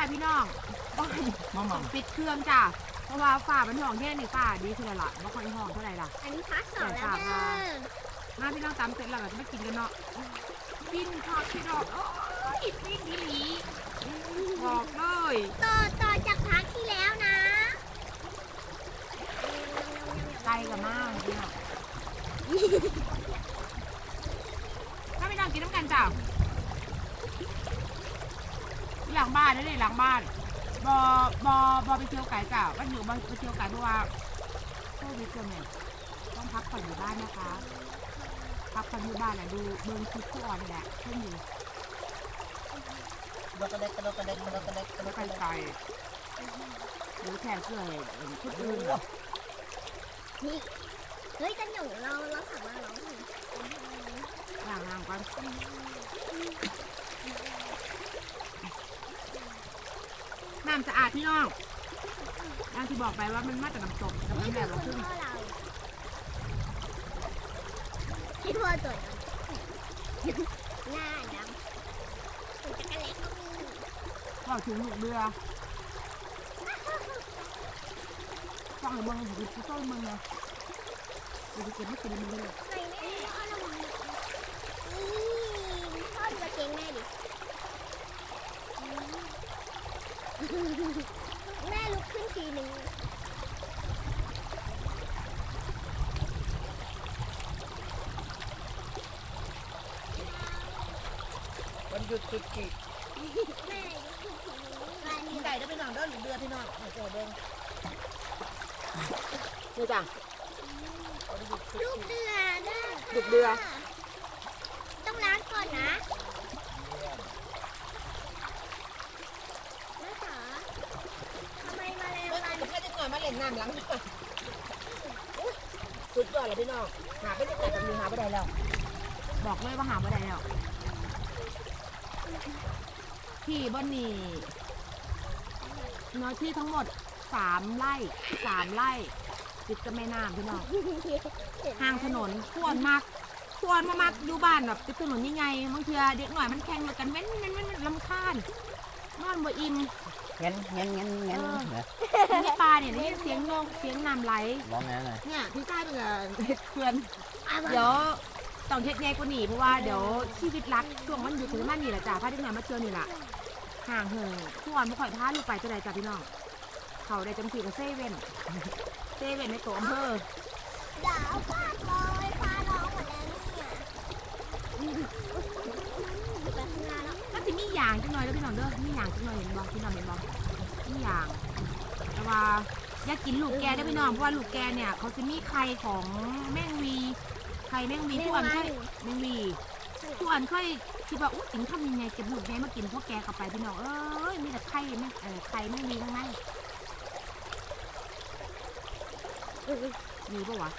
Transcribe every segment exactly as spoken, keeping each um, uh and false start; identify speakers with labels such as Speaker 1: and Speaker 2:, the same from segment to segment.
Speaker 1: พี่น้องบ้านต้องปิดเครื่องจ้าเพราะว่าฝ่ามันห้องแค่นี้ฝ่าดีคือละไม่ค่อยห้องเท่าไหร่ล่ะ
Speaker 2: อันนี้พาร์ทสองแล้วเด้อ
Speaker 1: มาพี่น้องตามเสร็จแล้วก็จะมากินกันเนาะปิ้นทอดพี่น้องโอ้ยปิ้นดีหลีบอกเลย
Speaker 2: ต่อต่อจากพาร์ทที่แล้วนะ
Speaker 1: ไกลกับมากพี่น้องถ้าไม่ต้องกินน้ำกันจ้าหลังบ้านนั่นเลยหลังบ้านบอบอบอไปเที่ยวไก่จ้าวันอยู่บอไปเที่ยวไก่เพราะว่าโควิดเนี่ยต้องพักผ่อนอยู่บ้านนะคะพักผ่อนอยู่บ้านแหละดูเบิ้งคลิปทุกวันนี่แหละเช่นอยู่
Speaker 3: กระเด็กกระเด็กกระเด็กกระเด็กกระเด็กกระเด็ก
Speaker 1: ไก่ไก่หรือแค่เกลือเห็นชุดอื่น
Speaker 2: นี่เฮ้ยกันหนูเราเราสามารถร้องเพลง
Speaker 1: ล้างล้างกันน้ำสะอาดพี่น้องอย่างที่บอกไปว่ามันมาจากน้ำตกแต่มันแบบว่าขึ้น
Speaker 2: พี่พ่อตัวหน้าดำตัวจักรเล็กก็มี
Speaker 1: ก็ถึงหนุกเรือฟังให้เมืองหรือผู้ต้นเมืองนะเดี๋ยวเก็บไม่กินมันเลย
Speaker 2: ใส่แม่เอาละมึงนี่พ่อดูกระเกงแม่ดิแม่ลุกขึ้นทีหนึ่ง
Speaker 3: วันหยุดสุดขีด
Speaker 2: แม่ลุกขึ้นทีหนึ่ง
Speaker 3: กินไก่ได้พี่น้องเด้อหรือเดือพี่น้องมาเจอเด้ง
Speaker 1: นี่จ้ะ
Speaker 2: ลูกเดือเด้อ
Speaker 1: ลูกเดือ
Speaker 2: ต้องล้างก่อนนะแม่จ๋าทำไมมาแล้ว
Speaker 3: มันแค่จะหน่อยมาเล่นน้ำหลังสุดยอดเลยพี่น้องหาไปได้แต่กับมีหาไปได้แล้ว
Speaker 1: บอกเลยว่าหาไม่ได้แล้วที่บ้านนี่เนื้อที่ทั้งหมดสามไร่สามไร่ติดกับแม่น้ำพี่น้องห่างถนนควรมากควรมากๆอยู่บ้านแบบติดถนนยังไงบางทีเด็กหน่อยมันแข่งกันเว้นเว้นเว้นลำคาญนอนบ่อิ่ม
Speaker 3: เงี้ยเงี้ยเงี้ยเงี้ย
Speaker 1: นี่ปลาเนี่ยนี่เสียงโยกเสียงน้ำไหล
Speaker 3: ร้องไงเลย
Speaker 1: เนี่ยพี่ชายเป็นเห็ดเขื่อนเดี๋ยวต้องเฮ็ดใหญ่กว่านี้เพราะว่าเดี๋ยวชีวิตรักช่วงมันอยู่ถึงมันนี่แหละจ้าพาเด็กหน่อยมาเจอนี่แหละห่างเหินทุกวันไม่ค่อยพาลูกไปจะได้จ้าพี่น้องเขาได้จำสีกับเซเว่นเซเว่นในตัวอำเภอ
Speaker 2: ดาวฟาดเลยฟ้าร้องหมดแล้วเนี่ยไปข้างหน้าแล้ว
Speaker 1: ก็จะมีอย่างจังหน่อยแล้วพี่น้องเด้อมีอย่างจังหน่อยเห็นบ่พี่น้องเห็นบ่มีอย่างแต่ว่าอยากกินลูกแกได้พี่น้องเพราะว่าลูกแกเนี่ยเขาจะมีไข่ของแมงวีไข่แมงวีทุกอันค่อยแมงวีทุกอันค่อยคิดว่าอุ้ยถึงทำยังไงเก็บลูกแกมากินพวกแกกลับไปพี่น้องเอ้ยมีแต่ไข่แมงเออไข่แมงวีทั้งนั้นมีปะวะ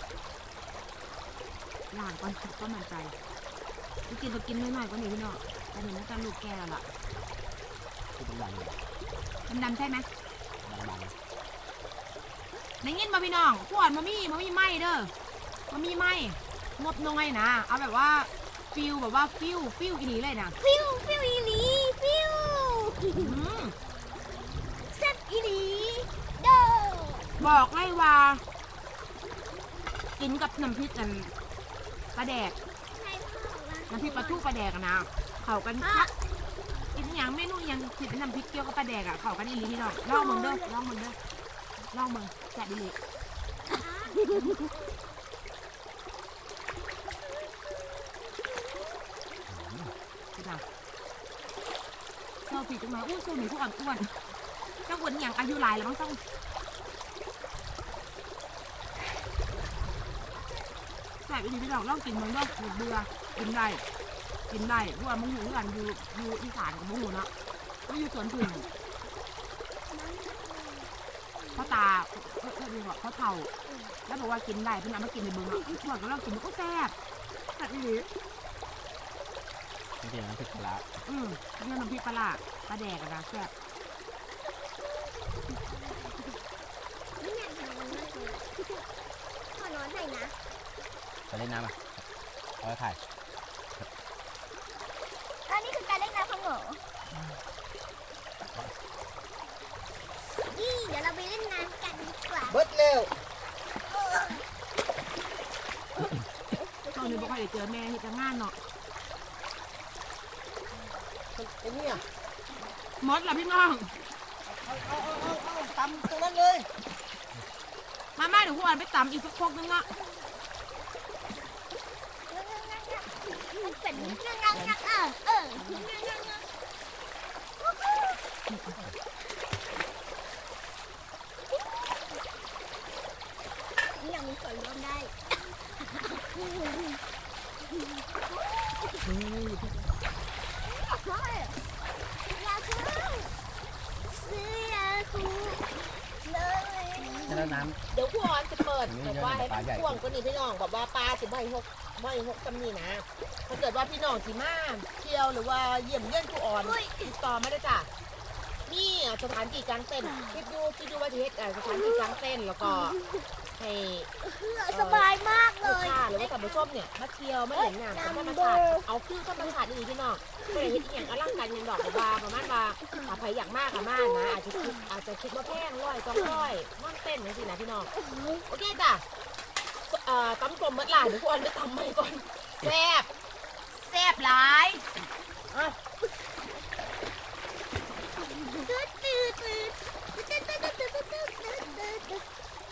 Speaker 1: ย่างก่อนก็มันใจกินก็กินน้อยๆก็หนีพี่น้องแต่เห็นว่าการลูกแกล่ะ
Speaker 3: คือเป็นดังเลย
Speaker 1: มันดำใช่ไหม
Speaker 3: ดัง
Speaker 1: ในเงี้ยมาพี่น้องขวดมามี่มามี่ไหมเด้อมามี่ไหมงบน้อยนะเอาแบบว่าฟิลแบบว่าฟิลฟิลอีหลีเลยนะ
Speaker 2: ฟิวฟิวอีหลีฟิวแซ่บอีหลีเด้อ
Speaker 1: บอกเลยว่ากินกับน้ำพริกกันปลาแดกน้ำพริกปลาทูปลาแดกนะเขากันคักกินอย่างเมนูอย่างผิดน้ำพริกเกี๊ยวกับปลาแดกอ่ะเขากันอีหลีพี่น้องลองมึงเด้อลองมึงเด้อลองมึงแซ่บอีหลีเจ้าผีจังเลยอู้สู้หนูพวกอ่อนอ้วนเจ้าอ้วนอย่างอายุหลายแล้วมั้งต้องแซ่บอีหลีพี่น้องลองกินมึงเด้อเบื่อกินได้กินได้เพราะว่ามึงอยู่กันอยู่อยู่อีสานกับมึงอยู่เนาะก็อยู่สวนพึ่งเขาตาเออเออดีกว่าเขาเท่าแล้วบอกว่ากินได้เพื่อนเอามากินในบึงอ่ะพวกเรากินก็แซ่บแซ่บอีหลี
Speaker 3: นี่เป็นน้ำพริกปลา
Speaker 1: อืมนี่น้ำพริกปลาปลาแดกอะนะแซ่บ
Speaker 2: ไม่อยากทำมันมากเลยขอร้อนหน่อยนะ
Speaker 3: ไปเล่นน้ำอ่ะเอาไปถ่าย
Speaker 2: อันนี้คือการเล่นน้ำของหนูยวเราไปเล่นน้ำกันดีกว่า
Speaker 4: เบิดเร็ว
Speaker 1: ตอนนี้บอกว่าเดี๋ยวเจอแม่ที่จะงานเนาะ
Speaker 4: ไอ้เนี่ย
Speaker 1: มดละพี่น้อง
Speaker 4: เอาเอาเอาเอาเอาตำตรงนั้นเลย
Speaker 1: มาแม่เดี๋ยวพวกอันไปตำอีกสักพกนึงอ่ะ
Speaker 2: มันเป็นงักงักงักเออเอองักงักงักนี่ยังมีส่วนร่วมได้ยาคูซื้อยาคูเลย
Speaker 3: แล้วน้
Speaker 4: เดี๋ยวผู้ออนจะเปิด
Speaker 3: อันนี้
Speaker 4: แบบว่าให้
Speaker 3: ปลาใหญ่
Speaker 4: พ่วงก็นี่พี่น้องแบบว่าปลาสิบ่อยหกบ่อยหกจำนี่นะถ้าเกิดว่าพี่น้องสิมาเที่ยวหรือว่าเยี่ยมเยี่ยนผู้อ่อนติดต่อมาได้จ้ะนี่สถานที่กลางเต็นท์คิดดูคิดดูว่าจะเฮ็ดอ่ะสถานที่กลางเต็นท์แล้วก็ให้
Speaker 2: สบายมากเล
Speaker 4: ลูก
Speaker 2: ย
Speaker 4: ค้าหรือว่าท่านผู้ชมเนี่ยมาเที่ยวมาเห็นงานธรรมชาติเอาฟิวธรรมชาตินี่พี่น้องไม่ได้เฮ็ดอหย่างอลังการอยังดอกแบบว่าประมาณว่าถ้าใครอยากมากอะมากนะอาจจะคิดอาจจะคิดว่าแพงร้อยสองร้อยนอนเต้นจังซี่นะพี่น้องโอเคจ้ะเอ่อตำกลมเมื่อไหร่เดี๋ยวพวกอันไปตำใหม่ก่อนแซ่บ
Speaker 1: แซ่บหลาย
Speaker 4: อ่ะ
Speaker 2: ตืดตืดตืดตืดตืดตืดตืดตืดตืดตืดตืด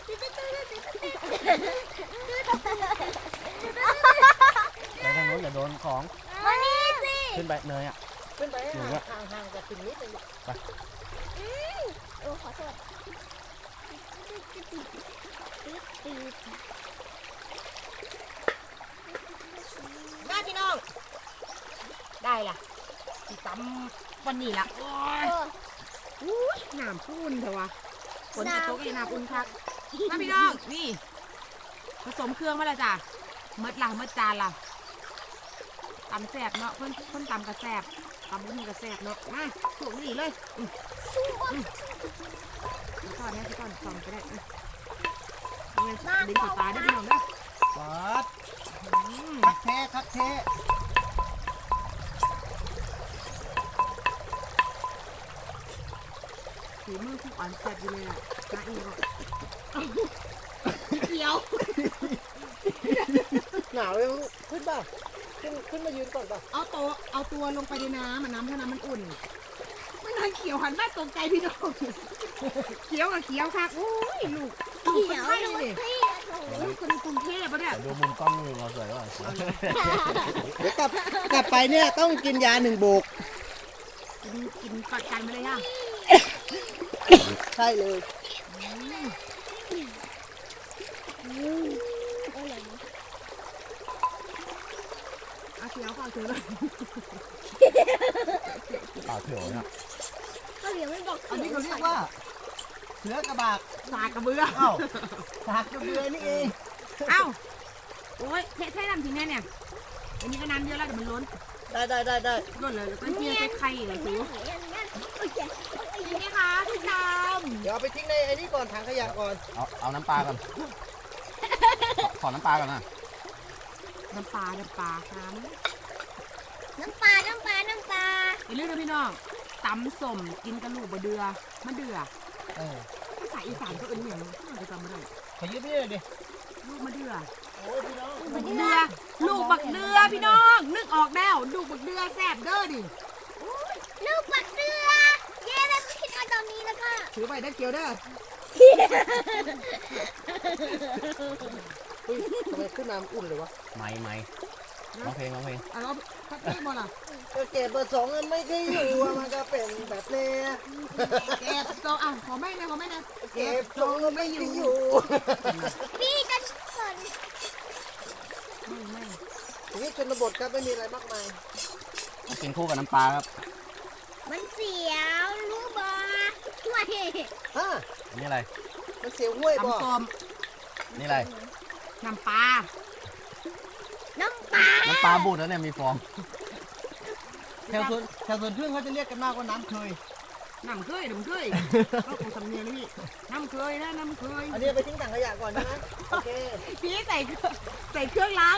Speaker 3: ำไปทางโน้นอย่าโดนของ
Speaker 2: มานี่สิ
Speaker 3: ขึ้นไปเนยอ่ะ
Speaker 4: ขึ้นไป
Speaker 3: หนูอะ
Speaker 4: ห่างห่างๆจากถึงนิดนึง
Speaker 2: โอ้ขอโทษตืดตืด
Speaker 4: มาพี่น้อง
Speaker 1: ได้ล่ะสิตำวันนี้ล่ะโอ้ย
Speaker 2: โอ้
Speaker 1: อุ้ยน้ำพุ่นเถอะวะฝนจะตกอีกน้ำอุ่นคักมาพี่น้องนี่ผสมเครื่องมาแล้วจ้ะเมดละเมดจานละตำแซ่บเนาะเพิ่นเพิ่นตำกระแซ่บตำบุ้นกระแซ่บเนาะมาถูกนี่เลยอืมอืมแล้วก่อนนะพี่ก่อนส่องไปได้อืมเอาเงินดึงสตาร์ได้พี่น้องเด้อ
Speaker 4: ปัด
Speaker 1: อืม
Speaker 4: คักแท้คักแท้
Speaker 1: ฝีมือทุกอันแซ่บอยู่เลยอ่ะจ้าอีก็เขียว
Speaker 4: หนาวเลยลูกขึ้นป่ะขึ้นขึ้นมายืนก่อนป่ะ
Speaker 1: เอาตัวเอาตัวลงไปในน้ำมันน้ำถ้าน้ำมันอุ่นไม่นานเขียวหันมาตรงใจพี่น้องเขียวกับเขียวค่ะโอ้ยลูกลูกคนไทยเลยลูกคนกรุงเทพปะเนี่ย
Speaker 3: เดี๋ยวดูมุมกล้องนี่เราสวยว่ะ
Speaker 4: เดี๋ยวกลับกลับไปเนี่ยต้องกินยาหนึ่งโบก
Speaker 1: กินกินกัดกันไปเลยค่ะ
Speaker 4: ใช่เลย
Speaker 1: เอาเขียวค่ะเขียวเลย
Speaker 3: ปลาเขียวเนี่ย
Speaker 2: เขายังไม่บอก
Speaker 4: อันนี้เขาเรียกว่าเสือกระบาก
Speaker 1: สากกระเบือ
Speaker 4: เอ้าสากกระเบือนี่เอง
Speaker 1: เอ้าโอ้ยแค่แค่น้ำทิ้งแน่เนี่ยอันนี้ก็น้ำเยอะแล้วเดี๋ยวมันล้น
Speaker 4: ได้ได้ได้ได้
Speaker 1: ล้นเลยแล้วก็เทียใส่ไข่เหรอสู
Speaker 2: โอเค
Speaker 1: นี่ไหมคะทุกท่าน
Speaker 4: เดี๋ยวเอาไปทิ้งในไอ้นี่ก่อนถังขยะก่อน
Speaker 3: เอาเอาน้ำปลาก่อนขอน้ำปลาก่อนนะ
Speaker 1: น้ำปลาน้ำปลาน้ำ
Speaker 2: น้ำปลา น้ำปลา น้ำปลา
Speaker 1: อย่าลืมนะพี่น้องตำส้มกินกระลูกบะเดือมะเดือ
Speaker 4: เออ
Speaker 1: ภาษาอีสานก็เอิ้นอย่างนี้เราจะจำไม่ได้
Speaker 4: ขยืดนี่เลยดิ
Speaker 1: ลูกมะเดือ
Speaker 4: โอ้ยพี่น้อง
Speaker 1: บักเดือลูกบักเดือพี่น้องนึกออกแล้วลูกบักเดือแซ่บเด้อดิ
Speaker 2: ลูกปักเรือเย้แล้วก็คิดเอาตอนนี้แล้วก็
Speaker 1: ถือไปได้เกียวเด้อ
Speaker 4: เฮ้ยทำไมขึ้นน้ำอุ่นเลยวะ
Speaker 3: ไม่ไม่ร้องเพลงร้องเพลง
Speaker 1: อ่ะเราพักเที่บอลล่ะ
Speaker 4: ก็เก็บเบอร์สองเงินไม่ได้อยู่อะมันก็เป็นแบบเนี้ย
Speaker 1: แอบโซอ่ะขอแม่นะขอแม่นะ
Speaker 4: เก็บสองเงินไม่ได้อยู่
Speaker 2: พี่จะสน
Speaker 1: ไม่ไม่
Speaker 4: ทีนี้ชนบทครับไม่มีอะไรมากมาย
Speaker 3: กินคู่กับน้ำปลาครับ
Speaker 2: มันเสียวรู้บอช่วย
Speaker 4: ฮะ
Speaker 3: อันนี้อะไร
Speaker 4: มันเสียวห้วยบ่
Speaker 1: ตำส้ม
Speaker 3: นี่อะไร
Speaker 1: น้ำปลา
Speaker 2: น้ำปลา
Speaker 3: น้ำปลาบูดแล้วเนี่ยมีฟอง
Speaker 4: แถวสวนแถวสวนพึ่งเขาจะเรียกกันมากว่าน้ำเคย
Speaker 1: น้ำเคยน้ำเคยก็คงสำเนียงนี่น้ำเคยนะน้ำเคย
Speaker 4: อันนี้เอาไปทิ้งถังขยะก่อนใช่ไหมโอเค
Speaker 1: พี่ใส่เครื่องใส่เครื่องล้าง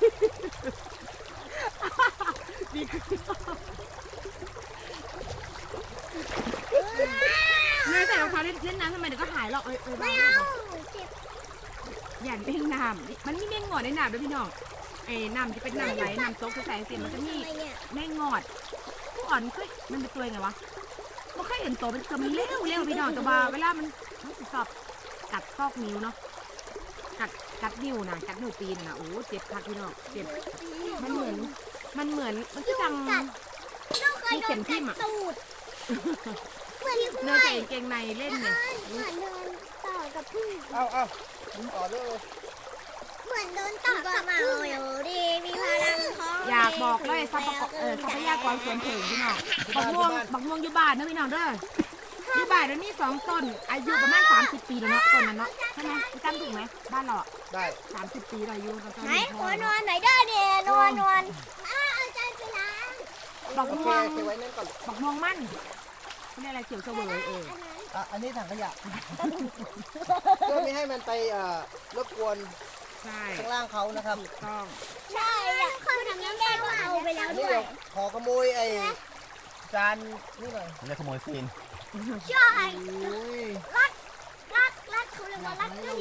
Speaker 1: ดีขึ้นเนี่ยใส่รองเท้าเล่นเล่นน้ำทำไมเดี๋ยวก็หายหรอกเอ้ยเอ้ย
Speaker 2: ไม่
Speaker 1: บ้า
Speaker 2: เอาเจ็บ
Speaker 1: อย่าเล่นน้ำมันมีแม่งอดในน้ำด้วยพี่น้องเอ้น้ำที่เป็นน้ำไหลน้ำโต๊ะใส่เสียมันจะมี
Speaker 2: ทำไมเนี่ย
Speaker 1: แม่งอดผู้อ่อนเคยมันเป็นตัวยังไงวะไม่เคยเห็นตัวเป็นตัวมันเลี้ยวเลี้ยวพี่น้องแต่ว่าเวลามันมันสิชอบกัดซอกนิ้วเนาะกัดกัดนิ้วนะกัดนิ้วตีนนะโอ้เจ็บคักพี่น้องเจ็บมันเหมือนมันเหมือนมันก็จัง
Speaker 2: ลูกเคยโดนกัดตูดเหมือน
Speaker 1: เนื้อใส่กางเกงในเล่นเนี่ย
Speaker 2: เหมือนโดนต่อกับพึ่ง
Speaker 3: เอาเอาต่อเลย
Speaker 2: เหมือนโดนต่อกับพึ่งอยู่ดีมีพลังของ
Speaker 1: อยากบอกเลยทรัพยากรเออทรัพยากรสวนถึงพี่น้องบักม่วงบักม่วงอยู่บ้านนะพี่น้องเด้ออยู่บ้านแล้วมีสองต้นอายุประมาณสามสิบปีแล้วเนาะต้นนั้นเนาะใช่ไหมพี่ตั้มถูกไหมบ้านเราอ่ะ
Speaker 3: ได้
Speaker 1: สามสิบปีเราอายุตอน
Speaker 2: ไหน
Speaker 1: นี้
Speaker 2: ขอนอนไหนเด้อเนี่ยนอนนอนอ้าเอาใจไปล้าง
Speaker 1: บัก
Speaker 3: โอเค
Speaker 1: ม่วง
Speaker 3: เก็บไว้นั่นก่อน
Speaker 1: บักม่วงมั่นเขาเรียกอะไรเขียวเสวยเออ
Speaker 3: อ่ะอันนี้ถังขยะ เพื่อไม่ให้มันไปเอ่อรบกวน
Speaker 1: ใช่
Speaker 3: ข้างล่างเขานะครับ
Speaker 1: ถูกต้อง
Speaker 2: ใช่อ่ะคนทำน้ำแดงก็เอาไปแล้ว
Speaker 3: อัน
Speaker 2: ด้
Speaker 3: นี้
Speaker 2: วย
Speaker 3: เดี๋ยวขอขโมยไอ้จานนี่หน่อย
Speaker 5: เรียกขโมยซีน
Speaker 2: ใช่
Speaker 3: โอ้ย
Speaker 2: รัดรัดรัดเขาเรียกว่ารัดก็ดี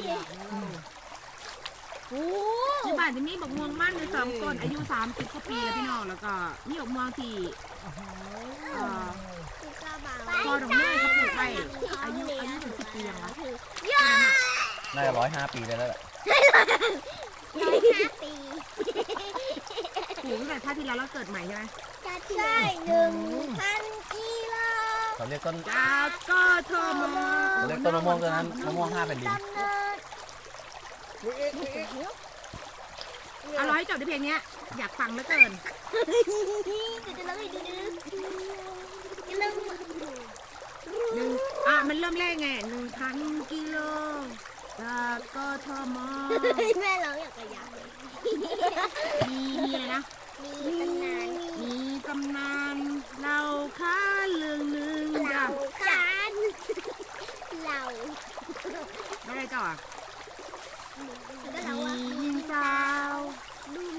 Speaker 2: โอ้
Speaker 1: ที่บ้านจะมีบักม่วงมั่นในสองต้นอายุสามสิบกว่าปีแล้วพี่น้องแล้วก็มีบักม่วงที่เอ่อ พอดอกเนยเขาปลูกไปอายุอายุถึงสิบปียังวะ
Speaker 2: ย่า
Speaker 5: น่าจะร้อยห้าปีได้แล้วแหละ
Speaker 2: ร้อยห้าปี
Speaker 1: ปลูกตั้งแต่ชาติที่แล้วเราเกิดใหม่ใช่ไหม
Speaker 2: ใช่หนึ่งพันกิโล
Speaker 5: เขาเรียกต้น
Speaker 1: จากก็เธอมา
Speaker 5: เขาเรียกต้นมะม่วงต้นนั้นมะม่วงห้าแผ่นดิน
Speaker 2: ดำเนิน
Speaker 3: มีอีกมีอีก
Speaker 1: อร่อยจบในเพลงเนี้ยอยากฟังเหลือเกิน
Speaker 2: ดูดูแล้วดูดูอย่าลืม
Speaker 1: หนึ่งอ่ะมันเริ่มแรกไงหนึ่งพันกิโลจากก็เธอมา
Speaker 2: แม่เราอยากกระยับ
Speaker 1: มีมีอะไรนะ
Speaker 2: มีตำนาน
Speaker 1: มีตำนานเราค้าเรื่องหนึ่งจ้ะ
Speaker 2: เราคานเรา
Speaker 1: ไม่ได้ต่ออ่ะ
Speaker 2: แล้วก็เรา
Speaker 1: มี
Speaker 2: อะ
Speaker 1: หญิงสาว
Speaker 2: ดู